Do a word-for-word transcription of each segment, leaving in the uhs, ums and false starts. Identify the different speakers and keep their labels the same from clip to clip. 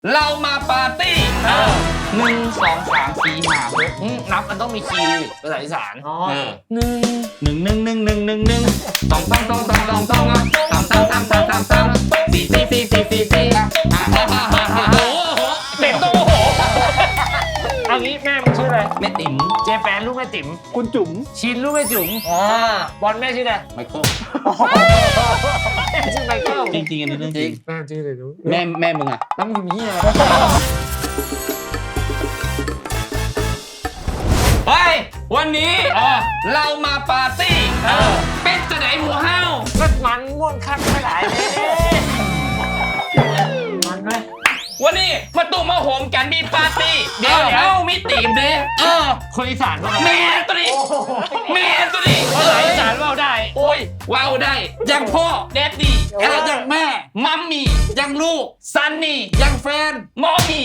Speaker 1: เรามาปาร์ตี้หนึ่งสองสามสี่ห้าหกนับมันต้องมีคีย์ภาษาอีสานหนึ่งหนึ่งหนึ่งหนึ่งหนึ่งหนึ่งหนึ่งสองสองสองสองสองสองสามสามสามสามสามสามสี่สี่สี่สี่สี่สี่โอ้โหเต็มโตโห
Speaker 2: เอางี้แม่มึงชื่ออะไร
Speaker 1: แม่ติ๋ม
Speaker 2: เจแปนลูกแม่ติ๋ม
Speaker 3: คุณจุ๋ม
Speaker 2: ชินลูกแม่จุ๋มบอลแม่ชื่ออะไร
Speaker 1: ไมเคิล
Speaker 2: แม่ชื่อไมเคิล
Speaker 1: จริงๆอันนี้เรื่องจริง
Speaker 2: แม่ชื่ออะไรรู้
Speaker 1: แม่แม่มึงอะ
Speaker 2: ตั้งมึงมีอะไร
Speaker 1: เฮ้ยวันนี้เรามาปาร์ตี้เป็นจะไหนหมูเฮา
Speaker 2: ก็มันม่วนคักไม่หลายเลยมันไหม
Speaker 1: วันนี้มาตุ่มมาโหมกันมีปาร์ตี้เดี๋ยวเอ้ามีตีมเด้เออ
Speaker 2: คนอีสานว่า
Speaker 1: แม่ตัวนี้แม่ตัวนี้
Speaker 2: ภาษาอีสานว่าได้
Speaker 1: โอ้ยว้าวได้ยังพ่อแดดดี้ยังแม่มัมมี่ยังลูกซันนี่ยังแฟนมอมี่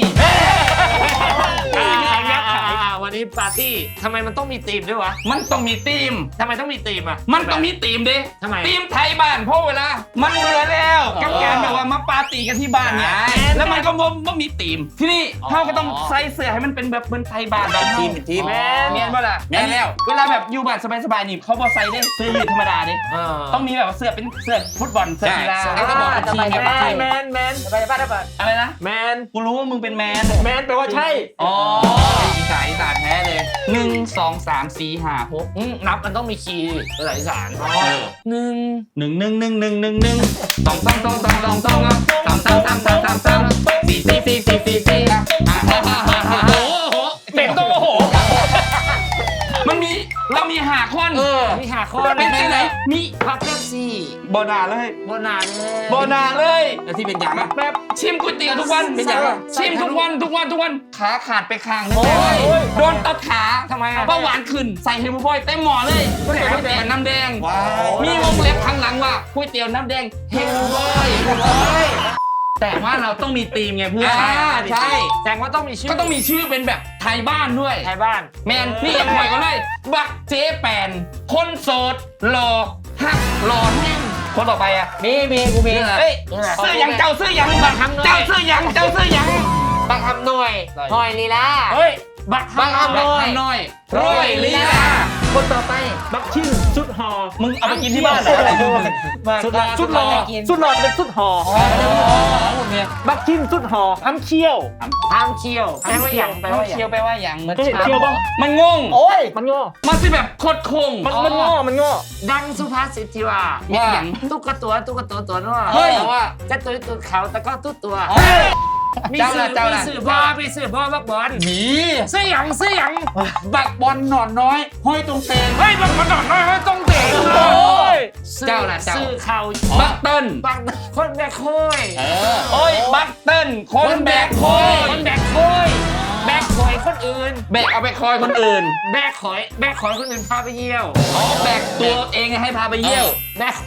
Speaker 2: วันนี้ปาร์ตี้ทำไมมันต้องมีธีมด้วยวะ
Speaker 1: มันต้องมีธีม
Speaker 2: ทำไมต้องมีธีมอ่ะ
Speaker 1: มันต้องมีธีมเด้
Speaker 2: ทำไม
Speaker 1: ธีมไทยบ้านเพราะเวลามันเบื่อแล้วกับการแบบว่ามาปาร์ตี้กันที่บ้านเนี่ยแล้วมันก็ไม่มีธีมที่นี่เขาก็ต้องใส่เสื้อให้มันเป็นแบบเหมือนไทยบ้านแบบ
Speaker 3: ทีมทีม
Speaker 2: แม่
Speaker 1: เมียนว่าล่ะ
Speaker 3: แม่แล้ว
Speaker 1: เวลาแบบอยู่บ้านสบายๆนี่เขาบอกใส่ได้เสื้อยืดธรรมดาดิต้องมีแบบเสื้อเป็นเสื้อฟุตบอลเสื้อกีฬา
Speaker 3: แล้วก็บอกทีมแบบ
Speaker 2: แมนแมนไปบ้านได้ปะ
Speaker 1: อะไรนะ
Speaker 2: แมน
Speaker 1: กูรู้ว่ามึงเป็นแมน
Speaker 2: แมนแปลว่าใช่
Speaker 1: อ๋ออีสานอีสานแท้เลยหนึ่งสองสามสี่ห้าหกนับมันต้องมีคีย์ภาษาอีสานหนึ่งหนึ่งหนึ่งหนึ่งหนึ่งหนึ่งหนึ่งสองสองสองสองสองสองสามสามสามสามสามสามสี่สี่สี่สี่สี่สี่โอ้โหเต็มโตโหมันมีเรามีหาข้อน
Speaker 2: มีหาข้อน
Speaker 1: เป็นที่ไหนมี
Speaker 2: พักเป๊ปซี่
Speaker 1: บนาเลย
Speaker 2: บนาเลย
Speaker 1: บนาเลย
Speaker 3: แล้วที่เป็นอย่าง
Speaker 1: แบบแบบชิมก๋วยเตี๋ยวทุกวัน
Speaker 3: เป็นอย่าง
Speaker 1: ชิมทุกวันทุกวันทุกวันขาขาดไปข้างนึงโดนตัดขา
Speaker 2: ทำไม
Speaker 1: เบาหวานขึ้นใส่เฮมบอยเต็มหม้อเลยก๋วยเตี๋ยวน้ำแดงมีวงเล็บข้างหลังว่าก๋วยเตี๋ยวน้ำแดงเฮมบอยแต่ว่าเราต้องมีธีมไงเพื่อน
Speaker 2: ใช่แต่ว่าต้องมีชื่อ
Speaker 1: ก็ต้องมีชื่อเป็นแบบไทยบ้านด้วย
Speaker 2: ไทยบ้าน
Speaker 1: แมนนี่ยังปล่อยกันเลยบักเจ๊แปนคนโสดหล่อฮักหล่อแห้งคนต่อไปอ่ะ
Speaker 2: มีมีกูมี
Speaker 1: เฮ้ยเสื้อยังเจ้าเสื้อยังบักเจ้าเสื้อยังเจ้าเสื้อยัง
Speaker 2: บักทำหน่อยหอยลีลา
Speaker 1: เฮ้ย
Speaker 2: บักทำห
Speaker 1: น่อยรอยลีลา
Speaker 2: คนต่อไปบักชิ้นสุดหอ
Speaker 1: มึงเอาไปกินที่บ้านอะไร
Speaker 2: สุดหอสุดหอสุดหอเป็นสุดหอบักชิ้นสุดหอทำเคี้ยวทำเคี้ยวแปลว่าอย่างแปลว่าอย่าง
Speaker 1: เคี้ยวแปลว่าอย่าง
Speaker 2: มันเคี้ยวบ้าง
Speaker 1: มันงง
Speaker 2: โอ้ยมันงอ
Speaker 1: มันสิแบบโคตรคง
Speaker 2: มันมันงอมันงอดังสุภาษิตที่ว่าอย่างตุ๊กตัวตุ๊กตัวตัวนู้น
Speaker 1: เฮ้ย
Speaker 2: ว่าจะตัวตัวเขาแต่ก็ตุ๊ตัวมีสื่อมีสื่อพ่อมีสื่อพ่อบักบอล
Speaker 1: มี
Speaker 2: เสื้อหยังเสื้อหยัง
Speaker 1: บักบอลหนอนน้อยห้อยตรงเตง
Speaker 2: เฮ้ยบักบอลหนอนน้อยห้อยตรงเตงโอ้ย
Speaker 1: เจ้าน่ะเจ้า
Speaker 2: สื่อเข่า
Speaker 1: บักเติ้ล
Speaker 2: บักคนแบกโค้ย
Speaker 1: โอ้ยบักเติ้ลคนแบกโค้ย
Speaker 2: คนแบกโค้ยแบกคอยคนอื่น
Speaker 1: แบกเอาไปคอยคนอื่น
Speaker 2: แบกคอยแบกคอยคนอื่นพาไปเยี่ยว
Speaker 1: อ๋อแบกตัวเองให้พาไปเยี่ยว
Speaker 2: แบก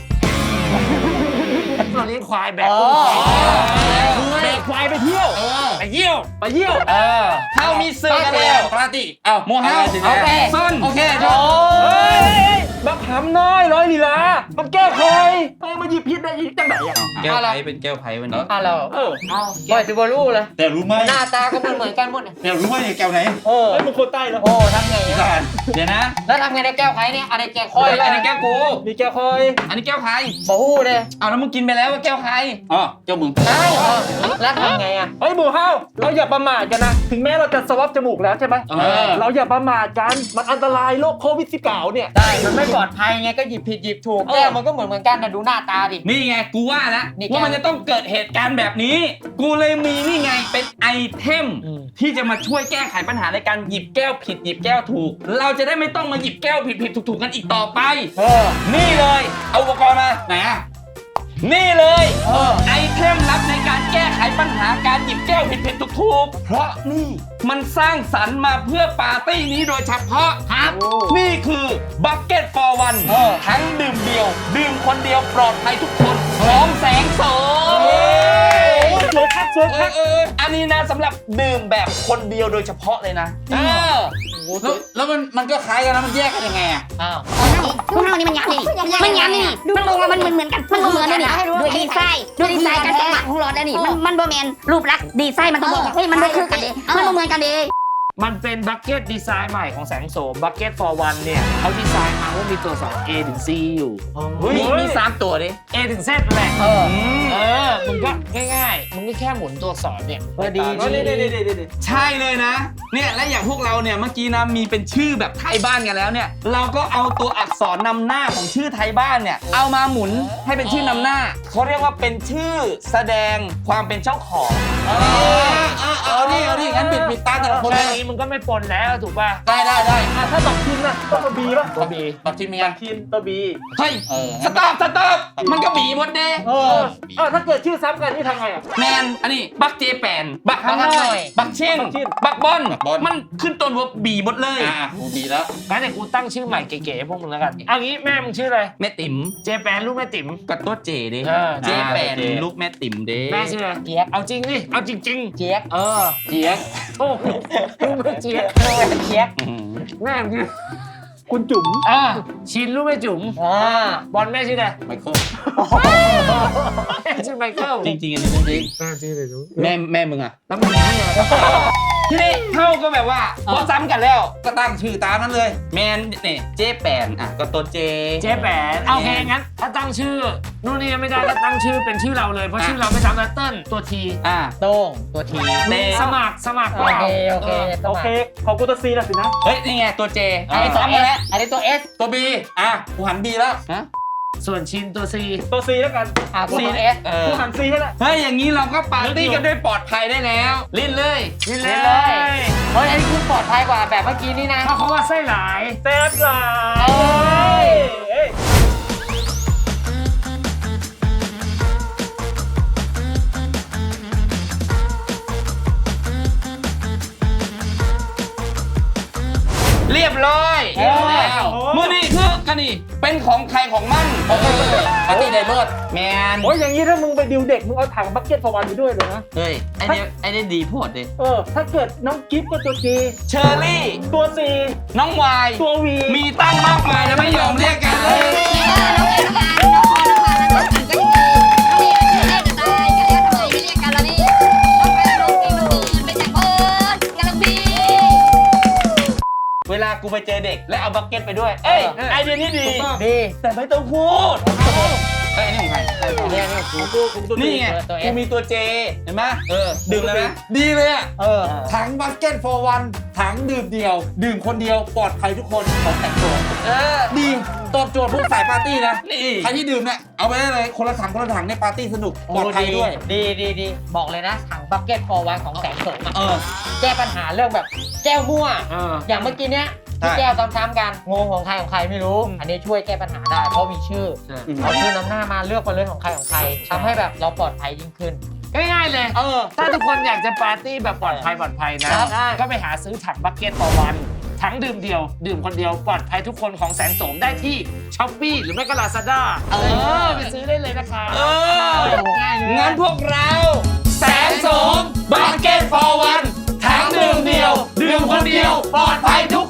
Speaker 2: ตัวนี้ควายแบกแบกควายไปเที่ยวไปเยี่ยวไปเยี่ยว
Speaker 1: เออเท่ามีเสื้อกันแล้ว
Speaker 3: ปาร์ตี้เอ้า
Speaker 1: โมเฮาโอเคส้นโอเคจบ
Speaker 2: บักหำน้อยร้อยลีลามันแก้คอยเฮ้ยมาหยิบพิษได้จังไหนอ่ะ
Speaker 1: แก้วไผ่เป็นแก้วไผ่วันนี้
Speaker 2: อ่ะเราเออเอาปล่อยติบอลูเลย
Speaker 3: แต่รู้ไหม
Speaker 2: หน้าตาก็เหมือนเหมือนกันหมด
Speaker 3: แต่รู้ไหมแก้วไหน
Speaker 2: เออมึงคนใต้แล้วโอ้ทำไง
Speaker 1: เดี๋ยวนะ
Speaker 2: แล้วทำไงในแก้วไผ่เนี่ยอะไรแก้วคอย
Speaker 1: อันนี้แก้วกู
Speaker 2: มีแก้วคอย
Speaker 1: อันนี้แก้วไผ่
Speaker 2: บ่ฮู้เด้
Speaker 1: เอาแล้วมึงกินไปแล้วว่าแก้วไผ่
Speaker 3: อ๋อแก้วมึง
Speaker 2: ใช่แล้วทำไงอ่ะเฮ้ยหมูเฮาเราอย่าประมาทกันนะถึงแม้เราจะสวอปจมูกแล้วใช่ไหมเราอย่าประมาทกันมันอันตรายโรคโควิดสิบเก้าเนี่ย
Speaker 1: ใช่มันไม่ปลอดภัยไงก็หยิบผิดหยิบถูก
Speaker 2: แก้วมันก็เหมือนเหมือนกันนะดูหน้าตาดิ
Speaker 1: นี่ไงกูว่าแล้วว่ามันจะต้องเกิดเหตุการณ์แบบนี้กูเลยมีนี่ไงเป็นไอเทมที่จะมาช่วยแก้ไขปัญหาในการหยิบแก้วผิดหยิบแก้วถูกเราจะได้ไม่ต้องมาหยิบแก้วผิดผิดถูกถูกกันอีกต่อไปนี่เลยเอาอุปกรณ์มาไหนอ่ะนี่เลยไอเทมลับในการแก้ไขปัญหาการหยิบแก้วผิดผิดถูกถูกเพราะนี่มันสร้างสรรค์มาเพื่อปาร์ตี้นี้โดยเฉพาะครับนี่คือ Bucket for One ทั้งดื่มเดียวดื่มคนเดียวปลอดภัยทุกคนพร้อมแสงโสม
Speaker 2: สวยครับสวยครับ
Speaker 1: อันนี้นะสำหรับดื่มแบบคนเดียวโดยเฉพาะเลยนะ
Speaker 3: แล้วแล้วมันมันก็คล้ายกันนะมันแยกกันยังไงอ่ะ
Speaker 2: อ้าว
Speaker 4: พวกเรานี่มันยับนี่มันยับนี่มันบอกว่ามันเหมือนเหมือนกันมันบ่เหมือนเลยนี่ด้วยดีไซน์ด้วยดีไซน์การจังหวะของรถแล้วนี่มันมันบ่แมนรูปลักษณ์ดีไซน์มันต้องบอกว่าเฮ้ยมันบ่คือกันเด้มันบ่เหมือนกันเด้
Speaker 2: มันเป็นบัคเก็ตดีไซน์ใหม่ของแสงโสมบัคเก็ต for one เนี่ยเขาดีไซน์มาว่ามีตัวสอง A ถึง C อยู่
Speaker 1: มีมีสามตัวดิ
Speaker 2: A ถึง Z แหละ
Speaker 1: เออ
Speaker 2: เออมึงก็ง่ายๆมึงก็แค่หมุนตัวอักษรเนี่ย
Speaker 3: พอดี
Speaker 1: ใช่เลยนะ เนี่ยและอย่างพวกเราเนี่ยเมื่อกี้นะมีเป็นชื่อแบบไทยบ้านกันแล้วเนี่ย เราก็เอาตัวอักษรนำหน้าของชื่อไทยบ้านเนี่ยเอามาหมุนให้เป็นชื่อนำหน้าเขาเรียกว่าเป็นชื่อแสดงความเป็นเจ้าของ
Speaker 3: เออเอาดิเอาดิงั้นบิดบิดตาแต่ละคน
Speaker 2: แค่
Speaker 3: เลย
Speaker 2: นี้มึงก็ไม่ปนแล้วถูกป่ะ
Speaker 3: ได้ได้ได้
Speaker 2: อ่ะถ้าบักทินน่ะต้องตัว B ป่ะตัว B
Speaker 3: บักทีมยัง
Speaker 2: ทินตัว B
Speaker 1: เฮ้ย
Speaker 3: เออ
Speaker 1: สต็อปสต็อปมันก็บีหมดเด้
Speaker 2: เอออ่ะถ้าเกิดชื่อซ้ำกันนี่ทำไงอ่ะ
Speaker 1: แมนอันนี้บักเจแปนบักฮันน้อยบักเช่น
Speaker 2: บักเช่น
Speaker 1: บักบอลมันขึ้นต้นว่าบีหมดเลย
Speaker 3: อ่ากูดีแล้ว
Speaker 2: งั้นเดี๋ยวกูตั้งชื่อใหม่เก๋ๆพวกมึงแล้วกันเอางี้แม่มึงชื่ออะไร
Speaker 1: แม่ติ๋ม
Speaker 2: เจแปนลูกแม่ติ๋ม
Speaker 1: กับตัวเจเด้
Speaker 2: เออ
Speaker 1: เจแปนลูกแม่ติ๋มเด้
Speaker 2: แม่ชื่ออะไรเจี๊ยกเอาจริงดิเอาจริงๆเจี๊ยกเออ
Speaker 3: เจี๊ยบ
Speaker 2: โอ้โหลูกแม่เจี๊ยกเจี๊ยกแม่มึงคุณจุ๋มอ่าชินลูกแม่จุ๋มอ่าบอลแม่ชื่ออะไร
Speaker 3: ไมเคิล
Speaker 2: แม่ชื่อไมเคิล
Speaker 1: จริงจริงๆอันนี้จริง
Speaker 2: แม่ชื่ออะไรรู้
Speaker 1: แม่แม่มึงอะ
Speaker 2: แล้วมึงชื่ออะไร
Speaker 1: ทีนี้เท่าก็แบบว่าพอซ้ำกันแล้ว
Speaker 3: ก็ตั้งชื่อตามนั้นเลย
Speaker 1: แมนเนี่ยเจแปนอ่ะก็ตัวเจ
Speaker 2: เจ๊แปนโอเคงั้นถ้าตั้งชื่อนู่นนี่ไม่ได้ก็ตั้งชื่อเป็นชื่อเราเลยเพราะชื่อเราไม่ซ้ำนะเติ้ลตัวที
Speaker 1: อ่ะ
Speaker 5: โต้งตัวที
Speaker 1: เต
Speaker 2: สมัครสมัคร
Speaker 5: โอเคโอเค
Speaker 2: โอเคของกูตัวซีนะสินะ
Speaker 1: เฮ้ยนี่ไงตัวเจ
Speaker 5: อันนี้ตัว
Speaker 1: ซ้ำ
Speaker 5: เอ
Speaker 1: กัน
Speaker 5: ส
Speaker 1: แล้ว
Speaker 5: อันนี้ตัวเอส
Speaker 3: ตัวบีอ่ะกูหันบีแล้ว
Speaker 1: ฮะ
Speaker 2: ส่วนชินตัวซี
Speaker 6: ตัวซีแล้วกัน
Speaker 5: อ่ากูตัวเอส
Speaker 1: เออ
Speaker 6: กูหันซีให้ละ
Speaker 1: เฮ้ยอย่างนี้เราก็ปาร์ตี้กันด้วยปลอดภัยได้แล้วลิ้นเลย
Speaker 2: นี่เล
Speaker 5: เลย ย เฮ้ยอันนี้คุณปลอดภัยกว่าแบบเมื่อกี้นี่นะ
Speaker 2: เพราะเขาว่าไส้หลาย
Speaker 6: แซ่บหลาย
Speaker 5: เอ้ย
Speaker 6: เอ้ย
Speaker 1: เรียบร้อย
Speaker 5: เรียบร้อย
Speaker 1: แล้วมือนี่คือกันนี่เป็นของใครของมัน
Speaker 3: เออปาร์ตี้ไดเบิร์ด
Speaker 1: แมน
Speaker 6: โอ้ยอย่างนี้ถ้ามึงไปดิวเด็กมึงเอาถังบักเก็ตฟอร์วันไปด้วยเลยนะ
Speaker 1: เฮ้ยไอเนี้ยไอเนี้ยดีโพดดิ
Speaker 6: เออ ถ้าเกิดน้องกิฟต์ก็ตัวจี
Speaker 1: เชอร์รี่
Speaker 6: ตัวซี
Speaker 1: น้องวาย
Speaker 6: ตัววี
Speaker 1: มีตั้งมากมายแล้วไม่ยอมเรียกกันเลย เวลากูไปเจอเด็กและเอาบักเก็ตไปด้วย เอ้ยไอเดียนี้ดี
Speaker 5: ดี
Speaker 1: แต่ไม่ต้องพูดเอ้ยอันนี่ของใคร
Speaker 5: เนี่ยนี่กู
Speaker 6: กูกูตัว
Speaker 1: นี่ไง
Speaker 5: ตัวเอ
Speaker 1: กู
Speaker 5: ส
Speaker 1: มีตัวเจเห็นไหมเออดื่มแล้วนะ
Speaker 3: ดีเลยอ่ะ
Speaker 5: เออ
Speaker 3: ถังบัสเก็ต for one ถังดื่มเดียว ดื่มคนเดียวปลอดภัยทุกคนของแต่งตัว
Speaker 1: เออ
Speaker 3: ดีตอบโจทย์พวกสายปาร์ตี้นะ
Speaker 1: นี่
Speaker 3: ใครที่ดื่มเนี่ยเอาไปได้เลยคนละถังคนละถังในปาร์ตี้สนุกปลอดภัยด้วย
Speaker 5: ดีดีดีบอกเลยนะถังบักเก็ตฟอร์วันของแสงโสมอะ
Speaker 3: เออ
Speaker 5: แก้ปัญหาเรื่องแบบแก้วมั่ว
Speaker 2: เออ
Speaker 5: อย่างเมื่อกี้เนี้ยที่
Speaker 3: ใช่
Speaker 5: แก้วซ้ำๆกันงงของใครของใครไม่รู้ อันนี้ช่วยแก้ปัญหาได้เพราะมีชื่อเอาชื่อนำหน้ามาเลือกไปเลยของใครของใครทำให้แบบเราปลอดภัยยิ่งขึ้น
Speaker 2: ง่ายๆเลย
Speaker 5: เออ
Speaker 2: ถ้าทุกคนอยากจะปาร์ตี้แบบปลอดภัยปลอดภัยนะครับ ก็ไปหาซื้อถังบัคเก็ต for one ถังดื่มเดียว ดื่มคนเดียวปลอดภัยทุกคนของแสงโสมได้ที่ช้อปปี้หรือไม่ก็ลาซาด้าเออไปซื้อได้เลยนะคะ
Speaker 1: เออ
Speaker 5: ง่ายเลย
Speaker 1: งั้นพวกเรา แสงโสมบักเก็ตฟอร์วันถังดื่มเดียว ดื่มคนเดียว ปลอดภัยทุก